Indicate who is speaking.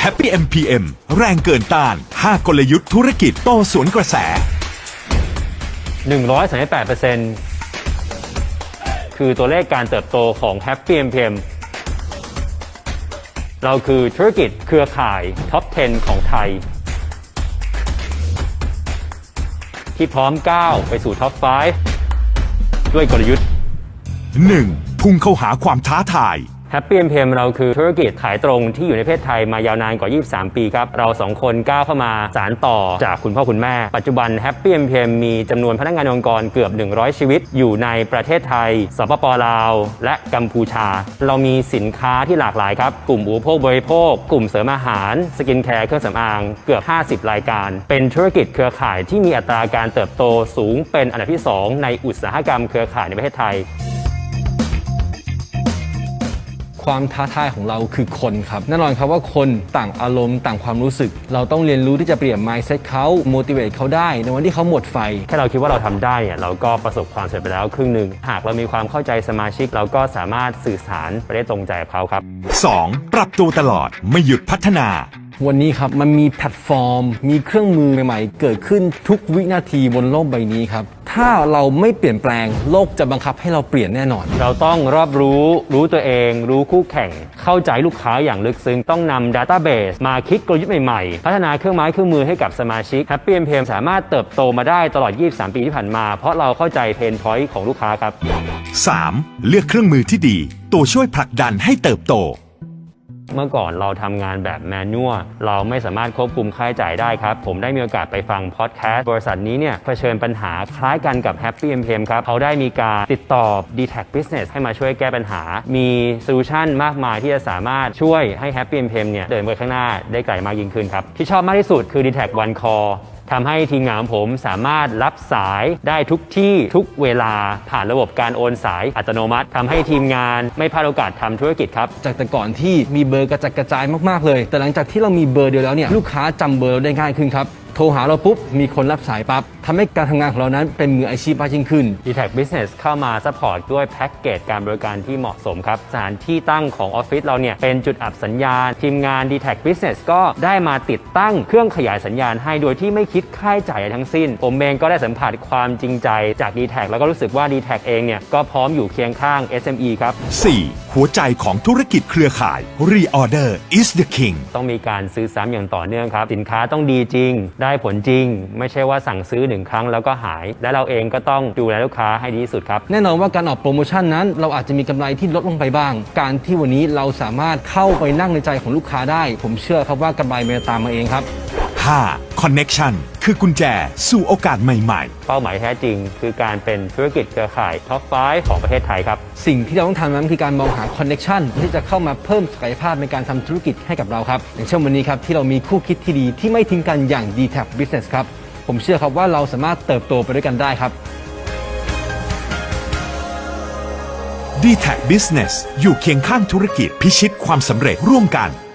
Speaker 1: Happy MPM แรงเกินต้าน5กลยุทธ์ธุรกิจโตสวนกระแส
Speaker 2: 138% คือตัวเลขการเติบโตของ Happy MPM เราคือธุรกิจเครือข่ายท็อป 10 ของไทยที่พร้อมก้าวไปสู่ท็อป 5 ด้วยกลยุทธ์
Speaker 1: 1. พุ่งเข้าหาความท้าทาย
Speaker 2: Happy MPM เราคือธุรกิจขายตรงที่อยู่ในประเทศไทยมายาวนานกว่า 23 ปีครับ เราสองคนก้าวเข้ามาสานต่อจากคุณพ่อคุณแม่ ปัจจุบัน Happy MPM มีจำนวนพนักงานองค์กรเกือบ 100 ชีวิตอยู่ในประเทศไทย สปป.ลาว และกัมพูชา เรามีสินค้าที่หลากหลายครับ กลุ่มอุปโภคบริโภค กลุ่มเสริมอาหาร สกินแคร์ เครื่องสำอาง เกือบ 50 รายการ เป็นธุรกิจเครือข่ายที่มีอัตราการเติบโตสูงเป็นอันดับที่ 2 ในอุตสาหกรรมเครือข่ายในประเทศไทย
Speaker 3: ความท้าทายของเราคือคนครับแน่นอนครับว่าคนต่างอารมณ์ต่างความรู้สึกเราต้องเรียนรู้ที่จะเปลี่ยน mindset เขา motivate เขาได้ในวันที่เขาหมดไฟ
Speaker 2: แค่เราคิดว่าเราทำได้เราก็ประสบความสำเร็จไปแล้วครึ่งหนึ่งหากเรามีความเข้าใจสมาชิกเราก็สามารถสื่อสารไปได้ตรงใจกับเขาครับ
Speaker 1: 2. ปรับตัวตลอดไม่หยุดพัฒนา
Speaker 3: วันนี้ครับมันมีแพลตฟอร์มมีเครื่องมือใหม่ๆเกิดขึ้นทุกวินาทีบนโลกใบนี้ครับถ้าเราไม่เปลี่ยนแปลงโลกจะบังคับให้เราเปลี่ยนแน่นอน
Speaker 2: เราต้องรอบรู้ตัวเองรู้คู่แข่งเข้าใจลูกค้าอย่างลึกซึ้งต้องนำ Database มาคิดกลยุทธ์ใหม่ๆพัฒนาเครื่องไม้เครื่องมือให้กับสมาชิก Happy MPM สามารถเติบโตมาได้ตลอด 23 ปีที่ผ่านมาเพราะเราเข้าใจเพนพอยต์ของลูกค้าครับ
Speaker 1: 3. เลือกเครื่องมือที่ดีตัวช่วยผลักดันให้เติบโต
Speaker 2: เมื่อก่อนเราทำงานแบบแมนนวลเราไม่สามารถควบคุมค่าใช้จ่ายได้ครับผมได้มีโอกาสไปฟังพอดแคสต์บริษัทนี้เนี่ยเผชิญปัญหาคล้ายกันกับ Happy MPM ครับเขาได้มีการติดต่อ DTAC Business ให้มาช่วยแก้ปัญหามีโซลูชันมากมายที่จะสามารถช่วยให้ Happy MPM เนี่ยเดินไปข้างหน้าได้ไกลมากยิ่งขึ้นครับที่ชอบมากที่สุดคือ DTAC One Callทำให้ทีมงานของผมสามารถรับสายได้ทุกที่ทุกเวลาผ่านระบบการโอนสายอัตโนมัติทำให้ทีมงานไม่พลาดโอกาสทำธุรกิจครับ
Speaker 3: จากแต่ก่อนที่มีเบอร์กระจัดกระจายมากๆเลยแต่หลังจากที่เรามีเบอร์เดียวแล้วเนี่ยลูกค้าจำเบอร์เราได้ง่ายขึ้นครับโทรหาเราปุ๊บมีคนรับสายปั๊บทำให้การทำงานของเรานั้นเป็นมืออาชีพมากยิ่งขึ้น
Speaker 2: DTAC Business เข้ามาซัพพอร์ตด้วยแพ็กเกจการบริการที่เหมาะสมครับสถานที่ตั้งของออฟฟิศเราเนี่ยเป็นจุดอับสัญญาณทีมงาน DTAC Business ก็ได้มาติดตั้งเครื่องขยายสัญญาณให้โดยที่ไม่คิดค่าใช้จ่ายทั้งสิ้นผมเองก็ได้สัมผัสความจริงใจจาก DTAC แล้วก็รู้สึกว่า DTAC เองเนี่ยก็พร้อมอยู่เคียงข้าง SME ครับ
Speaker 1: 4. หัวใจของธุรกิจเครือข่าย Reorder is the king
Speaker 2: ต้องมีการซื้อซ้ำอย่างต่อเนื่องครับสินค้าต้องดีจริงได้ผลจริงไม่ใช่ว่าสั่งซื้อ1ครั้งแล้วก็หายและเราเองก็ต้องดูแลลูกค้าให้ดีที่สุดครับ
Speaker 3: แน่นอนว่าการออกโปรโมชั่นนั้นเราอาจจะมีกำไรที่ลดลงไปบ้างการที่วันนี้เราสามารถเข้าไปนั่งในใจของลูกค้าได้ผมเชื่อครับว่ากำไรมันจะตามมาเองครับ
Speaker 1: 5. Connection คือกุญแจสู่โอกาสใหม่
Speaker 2: ๆเป้าหมายแท้จริงคือการเป็นธุรกิจเครือข่ายท็อป 5 ของประเทศไทยครับ
Speaker 3: สิ่งที่เราต้องทำนั้นคือการมองหา Connection ที่จะเข้ามาเพิ่มศักยภาพในการทำธุรกิจให้กับเราครับอย่างเช่นวันนี้ครับที่เรามีคู่คิดที่ดีที่ไม่ทิ้งกันอย่าง DTAC Business ครับผมเชื่อครับว่าเราสามารถเติบโตไปด้วยกันได้ครับ
Speaker 1: DTAC Business อยู่เคียงข้างธุรกิจพิชิตความสำเร็จร่วมกัน